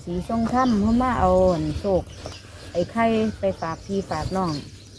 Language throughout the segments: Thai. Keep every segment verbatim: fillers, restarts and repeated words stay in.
สีทรงถ้ำเพราะมาเอาโศกไอ้ไข่ไปฝากพี่ฝากน้อง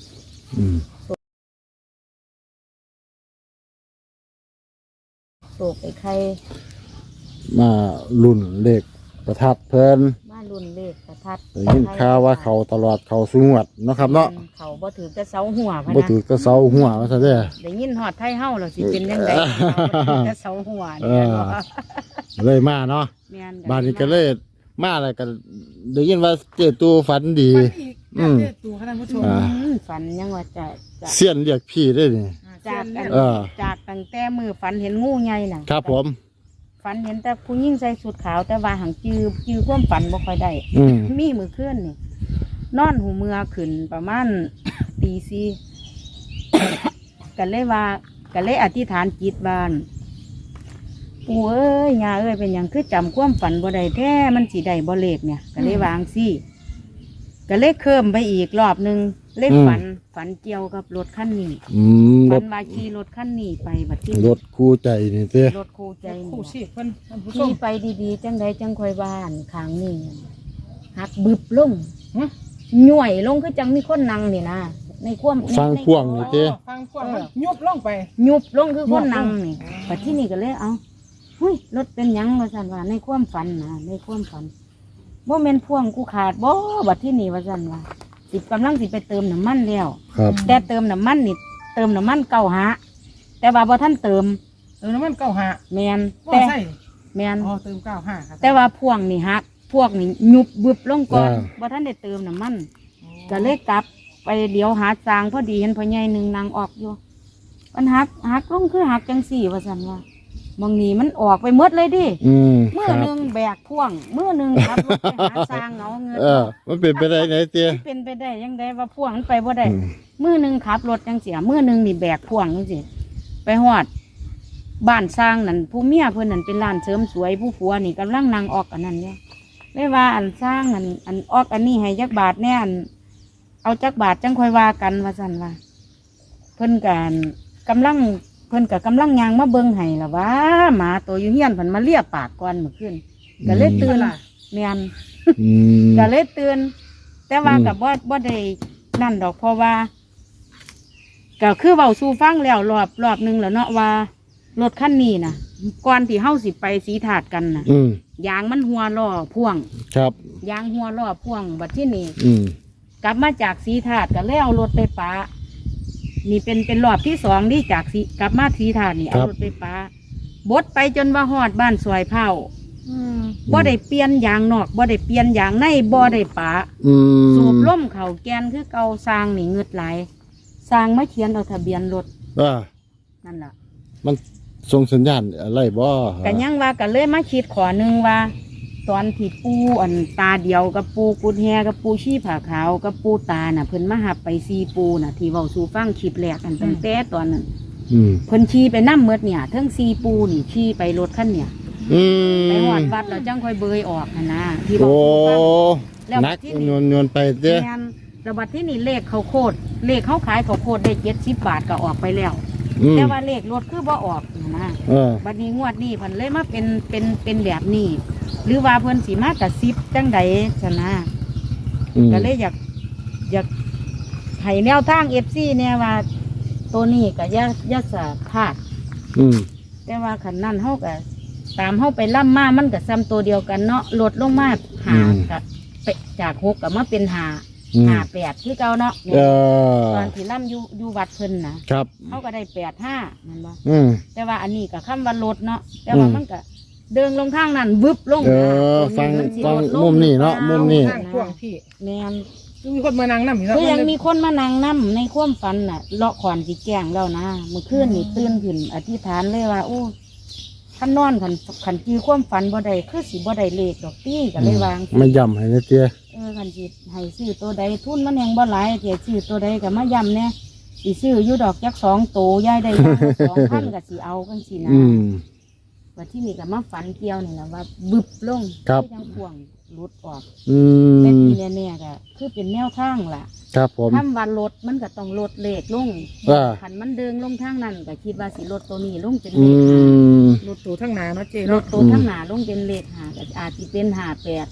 โศกไอ้ไข่มาลุ่นเลขประทัดเพิ่นมารุ่นเลขประทัดได้ยินข่าวว่าเขาตลอดเขาสูงวัดเนาะครับเนาะเขาบ่ถือแต่เสาหัวพะนะบ่ถือแต่เสาหัวว่าซะเด้อได้ยินฮอดไทเฮาแล้วสิเป็นจังได๋แต่เสาหัวนี่เลยมาเนาะบ้านนี้ก็เลยมาแล้วก็ได้ยินว่าเจตูฝันดีอืมเจตูคณะผู้ชมฝันยังว่าจะเสี้ยนเรียกพี่ได้นี่จากจากตั้งแต่มือฝันเห็นงูใหญ่น่ะครับผมฝันเห็นแต่ผู้หญิงใส่ชุดขาวแต่ว่าหังจือจือความฝันบ่ค่อยได้มีมือเคลื่อนนี่นอนหูเมือขึ้นประมาณตีสี่กันเลยว่ากันเลยอธิษฐานจิตบ้านปู่เอ้ยย่าเอ้ยเป็นอย่างคือจำความฝันบ่ได้แท้มันสีได้บ่เลขเนี่ยกันเลยวางซี่กันเลยเพิ่มไปอีกรอบหนึ่งเล่นฝันฝันเกี่ยวกับรถคันนี้ฝันว่าขี่รถคันนี้ไปบัดที่รถคู่ใจนี่เต้รถคู่ใจคู่ชีพเพิ่นขี่ไปดีๆจังใดจังคอยบ้านข้างนี่หักบึบลงหน่วยลงคือจังมีคนนั่งนี่นะในความฟังพ่วงนี่เต้ฟังพ่วงยุบลงไปยุบลงคือคนนั่งนี่บัดที่นี่ก็เลยเอาเฮ้ยรถเป็นยังว่าสันว่าในความฝันนะในความฝันว่าเมนพ่วงกูขาดบ่บัดที่นี่ว่าสันว่าสิกำลังสิไปเติมน้ำมันแล้วแต่เติมน้ำมันนี่เติมน้ำมันเก่าหาแต่ว่าบ่ท่านเติมเติมน้ำมันเก่าหาแมนแต่แมนอ๋อเติมเก่าหาแต่ว่าพ่วงนี่ฮักพวกนี่ยุบบึบลงก่อนบ่ท่านได้เติมน้ำมันก็เลยกลับไปเดี๋ยวหาจางพอดีเห็นพ่อใหญ่หนึ่งนางออกอยู่มันหักหักลงคือหักจังสี่ว่าสันว่าบางนี้มันออกไปหมดเลยดิเมื่อหนึ่งแบกพ่วงเมื่อหนึ่งขับรถไปหาสร้างเงาเงินเออมันเป็นไปได้ไหนเตี้ยเป็นไปได้ยังไงว่าพ่วงมันไปบ่ได้เมื่อหนึ่งขับรถจังเสียเมื่อหนึ่งนี่แบกพ่วงจังสิไปหอดบ้านสร้างนั่นผู้เมียเพื่อนนั่นเป็นร้านเสริมสวยผู้ผัวนี่กำลังนั่งออกอันนั้นเนี่ยไม่ว่าอันสร้างอันอันออกอันนี้ให้จักบาทแน่อันเอาจักบาทจังค่อยว่ากันว่าสั่นว่าเพื่อนกันกำลังเพิ่นกับกำลังยางมาเบิ่งให้ล่ะว่าหมาตัวอยู่เฮียนเพิ่นมาเลียปากก่อนเมื่อคืนก็เลยตื่นแม่นก็เลยตื่นแต่ว่ากับบ่บ่ได้นั่นดอกเพราะว่าก็คือเว้าสู่ฟังแล้วรอบรอบนึงแล้วเนาะว่ารถคันนี้น่ะก่อนที่เฮาสิไปสีถาดกันน่ะยางมันหัวล้อพ่วงครับยางหัวล้อพ่วงบัดที่นี่กลับมาจากสีถาดก็เลยเอารถไปปะนี่เป็นเป็นรอบที่สองที่จากสีกลับมาสีถาดนี่เอารถไปปะบดไปจนว่าฮอดบ้านสวยเผาบ่ได้เปลี่ยนยางนอกบ่ได้เปลี่ยนยางในบ่ได้ปะสูบล่มเข่าแกนคือเก่าสร้างนี่เงืดไหลสร้างไม่เขียนเอาทะเบียนรถนั่นแหละมันส่งสัญญาณอะไรบ่กันยังว่ากันเลยมาคิดขอหนึ่งว่าตอนที่ปูอันตาเดียวกับปูกุดแฮกับปูชี้ผาขาวกับปูตาน่ะเพิ่นมาหับไปซีปูน่ะที่เว้าสู่ฟังคลิปแรกกันตั้งแต่ตอนนั้นเพิ่นชี้ไปน้ำเมือดเนี่ยทั้งซีปูนี่ชี้ไปรถขั้นเนี่ยไปหอดวัดแล้วจังค่อยเบยออกนะที่เว้าสู่ฟังแล้วนักโยนโยนไปเด้อระบัดที่นี่เลขเขาโคตรเลขเขาขายเขาโคตรได้เจ็ดสิบบาทก็ออกไปแล้วแต่ว่าเลขรถคือบ่ออกนะบัดนี้งวดนี้เพิ่นเลยมาเป็นเป็นเป็นแบบนี้หรือว่าเพิ่นสีมากระซิบจังใดชนะก็เลยอยากอยากให้แนวทางเอฟซีเนี่ยว่าตัวนี้กับยายาสาพาดแต่ว่าขันนั่นเขากับตามเขาไปล่ำมามันกับซ้ำตัวเดียวกันเนาะลดลงมาหากับจากหกกับมาเป็นหาหาแปดที่เก่าเนาะตอนที่ล่ำอยู่อยู่วัดเพิ่นนะครับเขาก็ได้แปดห้านั่นบ่แต่ว่าอันนี้กับคำว่าลดเนาะแต่ว่ามันก็เดินลงทางนั้นบึบลงเออฟังฟังมุมนี่เนาะมุมนี่พ่วงที่แม่นมีคนมานั่งนั่งอยู่แล้วคือยังมีคนมานั่งนั่งในความฝันน่ะเลาะขวานสีแกงแล้วนะเมื่อคืนนี่ตื่นขึ้นอธิษฐานเลยว่าโอ้ท่านนอนขันขันจีความฝันบ่ได้คือสีบ่ได้เลขดอกตี้ก็เลยวางไม่ย่ำให้นะเจ้เออขันจีให้ซื้อตัวใดทุนมันยังบ่หลายเจ้ซื้อตัวใดก็มาย่ำเนี่ยสีซื้ออยู่ดอกยักษ์สองโตย่ายได้สองพันกับสีเอากันสีนะว่าที่นี่กับมาฝันเกี่ยวนี่นะว่าบึบลงที่ยังพ่วงรุดออกเป็นทีแน่ๆก็คือเป็นแนวทางล่ะครับผมทำวันรถมันก็ต้องลดเลขลงขันมันเดินลงทางนั้นก็คิดว่าสิรถตัวนี้ลงเป็นเลขหารถตัวทั้งหนาเนาะเจ๊รถตัวทั้งหนาลงเป็นเลขหาก็อาจจะเป็นหาแปด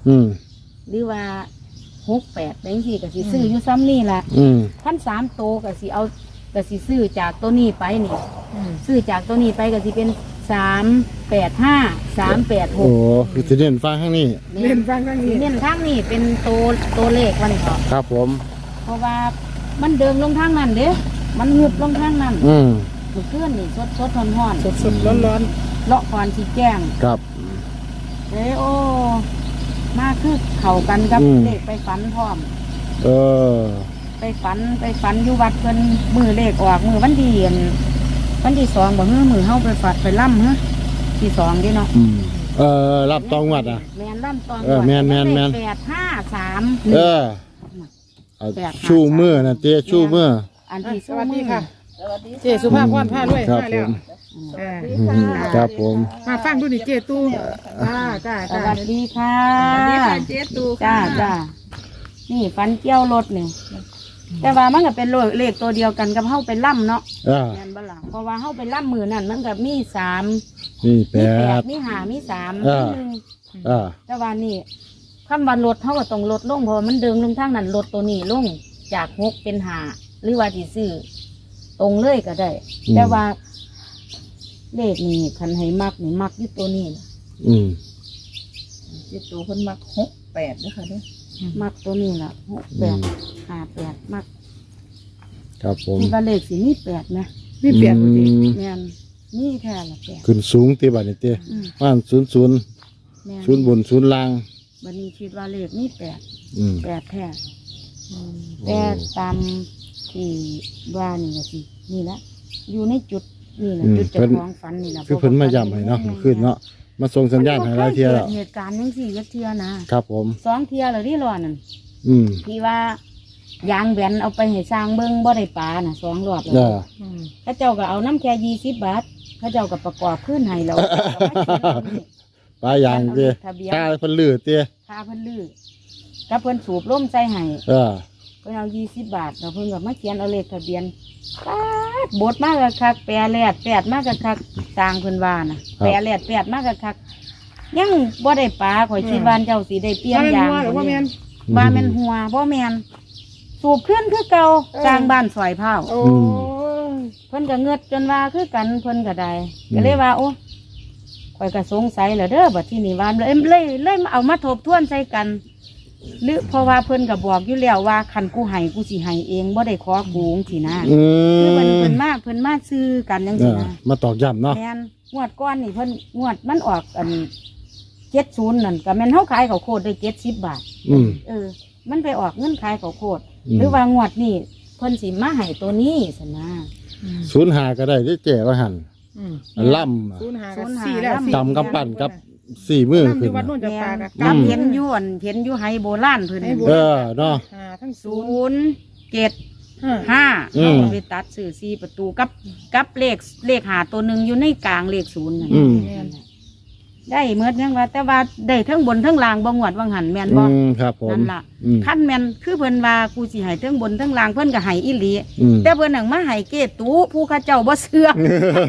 อืมหรือว่าหกแปดจังซี่ก็สิซื้ออยู่ซ้ำนี่ล่ะอืมพันสามโตก็สิเอาก็สิซื้อจากตัวนี้ไปนี่อืมซื้อจากตัวนี้ไปก็สิเป็นสามแปดห้าสามแปดหโอ้กคือจะเด่นฟังข้างนี้เล่นฟังข้างนี้เน้นข้างนี้เป็นตัวตัวเลขวันนี้ก็ครับผมเพราะว่ามันเดิมลงทางนั้นเด้มันงึบลงทางนั้นอืมมันเคลื่อนนี่สดสดร้อนร้อนสดๆร้อนเลาะก่อนสีแจ้งครับเอ้ยโอ้มาคือเข่ากันกับอืมเลขไปฝันพร้อมเออไปฝันไปฝันอยู่วัดเพิ่นมือเลขออกมือวันดีอันวันที่สองบ่เฮ้อมือเฮาไปฝัดไปล่ำเฮ้อที่สองเดิเนาะอืมเออรับตองวัดอ่ะแมนล่ำตองเออแม่นแม่นแม่นแปดห้าสามเออเอาชูมือนะเต้ชูมืออันๆอ่ะที่สสู้วัสมืดีอค่ะเจสุภาพพรผ้าด้วยครับมาแล้วผมเอออืมครับผมมาฟังดูนี่เจตู้จ้าจ้าสจ้าวัสดีค่ะสวัสดีค่ะเจตูจ้าจ้านี่ฟันเกี้ยวรถนี่แต่ว่ามันก็เป็นเลขตัวเดียวกันกับเฮาไปล่ำเนาะอ่าแม่นบ่ล่ะเพราะว่าเฮาไปล่ำมือนั่นมันก็มีสามนี่แปมีแปดดมีห้ามีสามอ่ามีหนึ่งอ่าแต่ว่านี่คำว่ารถเฮาก็ต้องลดลงเพราะว่ามันเดิมลงทางนั้นรถตัวนี้ลงจากหกเป็นห้าหรือว่าสิซื้อตรงเลยก็ได้ แต่ว่า เลขนี่คันให้มักนี่มักอยู่ตัวนี้ล่ะอืมเจตูคนมักหกแปดนะคะเด้อมักตัวนี้ล่ะหกแปดห้าแปดมักครับผมที่ว่าเลขสิมีแปดนะนี่เปลี่ยนพอดีอืมแม่นนี่แค่ละแปดขึ้นสูงตีบัดนี่เต้อืมว่านศูนย์ศูนย์แม่นศูนย์บนศูนย์ล่างวันนี้คิดว่าเลขนี่แปดอืมแปดแท้แต่ตามที่ว่านี่ละสินี่ละอยู่ในจุดนี่แหละอืมจุดเจ้าเพิ่นของฝันนี่แหละคือเพิ่นมาย้ำให้เนาะขึ้นเนาะมาส่งสัญญาณให้หลายเที่ยแล้วมันบ่คกิดเหตุการณ์ยังสี่ยักเทียนะครับผมสองเทียเลยที่รอนั่นอืมที่ว่ายางแบนเอาไปให้สร้างเบิ้งบ่ได้ปลาน่ะสองรอบแล้วอ่าอืมเข้าเจ้าก็เอาน้ำแค่ยี่สิบบาทเข้าเจ้าก็ประกอบขึ้นให้แล้วปลายางเต้ทะเบียนตาเพิ่นลือเต้พาเพิ่นลื้อกับเพิ่นสูบร่มใส่ให้เออเพิ่นเอายี่สิบบาทแล้วเพิ่นก็มาเขียนเอาเลขทะเบียนป๊าดบทมากกะคักแปรแลดแปดมากกะคักสร้างเพิ่นว่าน่ะแปรแลดแปดมากกะคักยังบ่ได้ปลาข่อยคิดว่าเจ้าสิได้เปลี่ยนว่าแม่นยางหัวหรือว่าแม่นว่าแม่นหัวบ่แม่นสูบขึ้นคือเก่าเออสร้างบ้านสอยเผาโอ้เพิ่นก็เงือดจนว่าคือกันเพิ่นก็ได้ก็เลยว่าโอ้ข่อยก็สงสัยแล้วเด้อบัดที่นี่ว่าเลยเลยเลยมาเอามาทบทวนใส่กันหรือเพราะว่าเพิ่นก็บอกอยู่แล้วว่าคันกูให้กูสิให้เองบ่ได้ขอกูจังซี่นะอืคือเพิ่นมเพิ่นมาเพิ่นมาซื้อกันจังเอซี่อนะมาตอกย้ำเนาะแม่นงวดก้อนนี่เพิ่นงวดมันออกอันเจ็ดศูนย์นั่นก็แม่นเฮาขายข้าวโพดได้เจ็ดสิบบาทอืมเออ มันไปออกเงินขายข้าวโพดอืมหรือว่างวดนี่เพิ่นสิมาให้ตัวนี้สนะศูนย์หาก็ได้ได้เจ๋ว่าหันอืมล่ำอะศูนย์หาศูกับนย์หาสี่แล้วล่ำสี่จำกำปั้นกับสี่มือนั่งอขึ้นยู่วัดน่ะโน่นจะแม่ปลาน กับกับอืมเห็นอยวนเห็นอยู่ไฮโบราณเพิ่นให้โบเอราณอเนาะหาทั้งศูศูนย์นย์เจ็ดห้าห้าอืมเอาไปตัดสื่อสี่ประตูกับกับเลขเลขหาตัวหนึ่งอยู่ในกลางเลขศูนย์นั่นอืมได้เมื่อยังว่า แต่ว่าได้ทั้งบนทั้งล่างบ่งวดว่างหันแม่นบ่อืมครับผมนั่นล่ะอืมขั้นแม่นคือเพิ่นว่ากูสิให้ทั้งบนทั้งล่างเพิ่นก็ให้อีหลีอืมแต่เพิ่นหนังมาให้เกตูผู้เข้าเจ้าบ่เชื่อ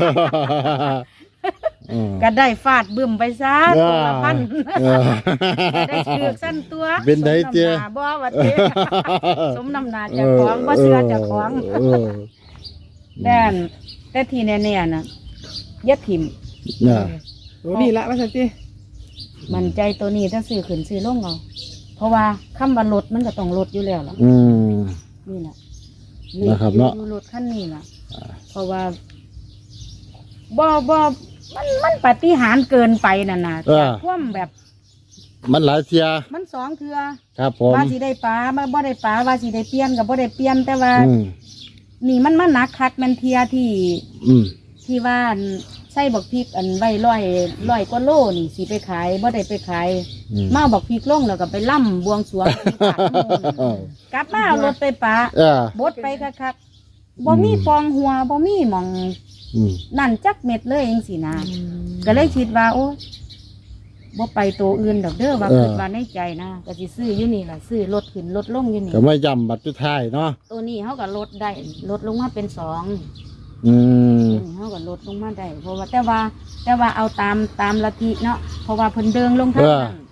อืมก็ได้ฟาดบึ้มไปซะตัวละพันเออก็ได้ถือกสั้นตัวเป็นไดเจ้สมน้ำหน้าบ่ว่าเจ้ สมน้ำหนาเจ้าของบ่เชื่อเจ้าของเออแต่นแต่ที่แน่ๆน่ะอย่าถิ่มน่ะโอ้นี่ละว่าสันติมันใจตัวนี้ถ้าซื้อขึ้นซื้อลงเอาเพราะว่าคำว่าลดมันก็ต้องลดอยู่แล้วล่ะอืมนี่แหละนะครับเนาะอยู่รถคันนี้ล่ะ เพราะว่าบ่บ่มันมันปฏิหารย์เกินไปน่ะนะเออจากความแบบมันหลายเทียมันสองเทือครับผมว่าสิได้ปลามาบ่ได้ปลาว่าสิได้เปลี่ยนกับบ่ได้เปลี่ยนแต่ว่าอืมนี่มันมันหนักคักแมันเทียที่อืมที่ว่าอันใส่บักพริกอันไว้ร้อยร้อยกว่าโลนี่สิไปขายบ่ได้ไปขายอืมมาบักพริกลงแล้วก็ไปล่ำบวงสรวงที่ศาลโมงกลับมาเอารถไปปลาเออบดไปคักๆบ่มีฟองหัวบ่มีหมองอืมนั่นจักเม็ดเลยเองสินะก็เลยคิดว่า โอ้บ่ไปตัวอื่นดอกเด้อว่าคิดว่าในใจนะก็สิซื้ออยู่นี่ล่ะซื้อลดขึ้นลดลงอยู่นี่ก็ไม่ย่ำบัตรทุดท้ายเนาะตัวนี้เขาก็ลดได้ลดลงมาเป็นสองอืมตัวนี้เขาก็ลดลงมาได้เพราะว่าแต่ว่าแต่ว่าเอาตามตามลัทธิเนาะเพราะว่าเพิ่นเดิงลงทางนั้นอืมมัน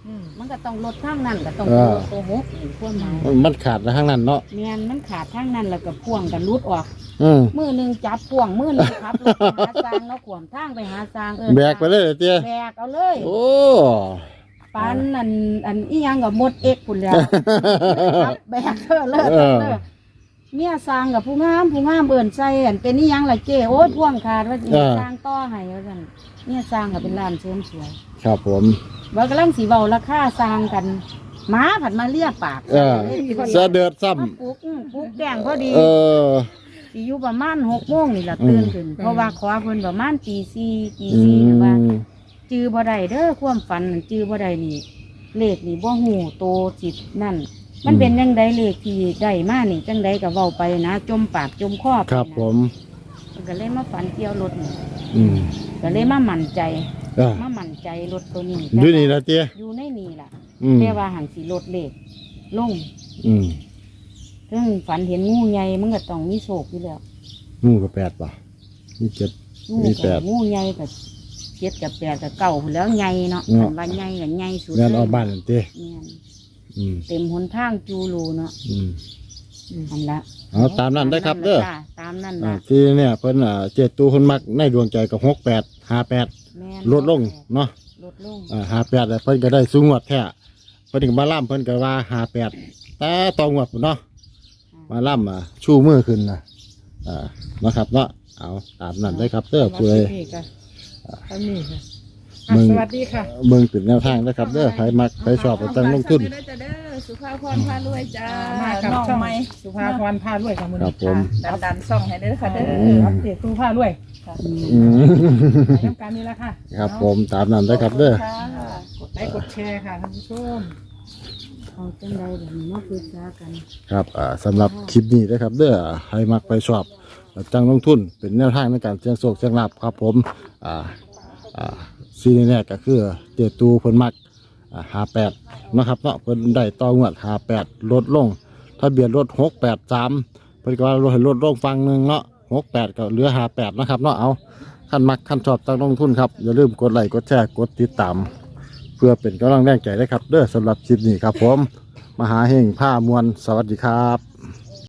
มันก็ต้องลดทางนั้นก็ต้องเออโกหกนี่ความหมายมันขาดทางนั้นเนาะแม่นมันขาดทางนั้นแล้วก็พ่วงกันรุดออกอืมมือหนึงจับพ่วงมือหนึงขับรถไปหาซางเนาะขวมทางไปหาซางเออแบกไปเลยเหรอเตี้ยแบกเอาเลยโอ้ปานอันอันอีหยังกับมดเอ็กพุ่นแล้วครับแบกเธอเลยเออเด้อเมียสร้างกับผู้งามผู้งามเบิ่นใส่อันเป็นอีหยังล่ะเจ้โอ้ยพ่วงขาดว่าสิสร้างต่อให้ว่าซั่นเมียสร้างก็เป็นร้านเสริมสวยครับผมว่ากำลังสิเว้าราคาสร้างกันหมาผัดมาเลียปากเออเสะเดือดซ้มาปลุกอื้อปลุกแกงพอดีำเออสิอยู่ประมาณหกโมงนี่ล่ะอืมตื่นขึ้นเพราะว่าขอเพิ่นประมาณตีสี่ตีอืสี่นะว่ามจื้อบ่ได้เด้อความฝันนั่นจื้อบ่ได้นี่เลขนี่บ่ฮู้โตจิตนั่น มันเป็นจังไดเลขที่ได้มานี่จังไดก็เว้าไปนะ จมปากจมคอไปครับนะผมมันก็เลยมาฝันเกี่ยวรถนี่อืมก็เลยมามั่นใจเออมามั่นใจรถตัวนี้ดูนี่นะเตี้ยอยู่ในนี่ล่ะอืมแต่ว่าหันสิลดเลขลงอืมถึงฝันเห็นงูใหญ่มันก็ต้องมีโศกอยู่แล้วงูกับแปดป่ะมีเจ็ดงูมีแปกับดงูใหญ่กับเจ็ดกับแปดกับเก่าพู้นแล้วใหญ่เนาะเนาะอันว่าใหญ่กับใหญ่สุดงานออกบ้านนั่นเตี้ยแม่นอืมเต็มหนทางจูรูเนาะอืมอันละเอาตามนั้นได้ครับเด้อจ้ะตามนั่นอ่าละที่เนี่ยเพิ่นอ่าเจ็ดตูคนมักในดวงใจกับหกแปดห้าแปดแม่นลดลงเนาะลดลงอ่าห้าแปดเพิ่นก็ได้สูงงวดแท้เพิ่นถึงมาล่ำเพิ่นก็ว่าห้าแปดแต่ตองวดพุ่นเนาะมาล่ำอ่ะชูมือขึ้นนะอ่านะครับเนาะเอาตามนั้นได้ครับเด้อเพื่อนี่ค่ะอันนี้ค่ะมึงสวัสดีค่ะเบิ่งเป็นแนวทางนะครับเด้อใครมักใครชอบก็ตั้งลงทุนเด้อจ้าเด้อสุภาพรพารวยจ้ามากับน้องช่องใหม่สุภาพรพารวยค่ะมือครันี้บผมดันดันๆส่องให้เด้อค่ะเด้ออืมอัปเดตสุภาพรวยอืมอืมในน้ำการนี้ละค่ะครับผมตามนั้นได้ครับเด้อค่ะกดไลค์กดแชร์ค่ะท่านผู้ชมเอาจังไดแบบนี้มาปรึกษากันครับอ่าสำหรับคลิปนี้นะครับเด้อใครมักไปชอบตั้งลงทุนเป็นแนวทางในการเสี่ยงโชคเสี่ยงลาภครับผมอ่าอ่าซีนี่แรกก็คือเจตูเพิ่นมักอ่าห้าแปดนะครับเนาะเพิ่นได้ต่องวดห้าแปดลดลงทะเบียนรถหกแปดสามเพิ่นก็ว่าลดให้ลดลงฟังหนึ่งเนาะหกแปดก็เหลือห้าแปดนะครับเนาะเอาขั้นมักขั้นชอบตั้งลงทุนครับอย่าลืมกดไลค์กดแชร์กดติดตาม เพื่อเป็นกำลังแรงใจได้ครับเด้อสำหรับคลิปนี้ครับผมมหาเฮงผ้ามวลสวัสดีครับ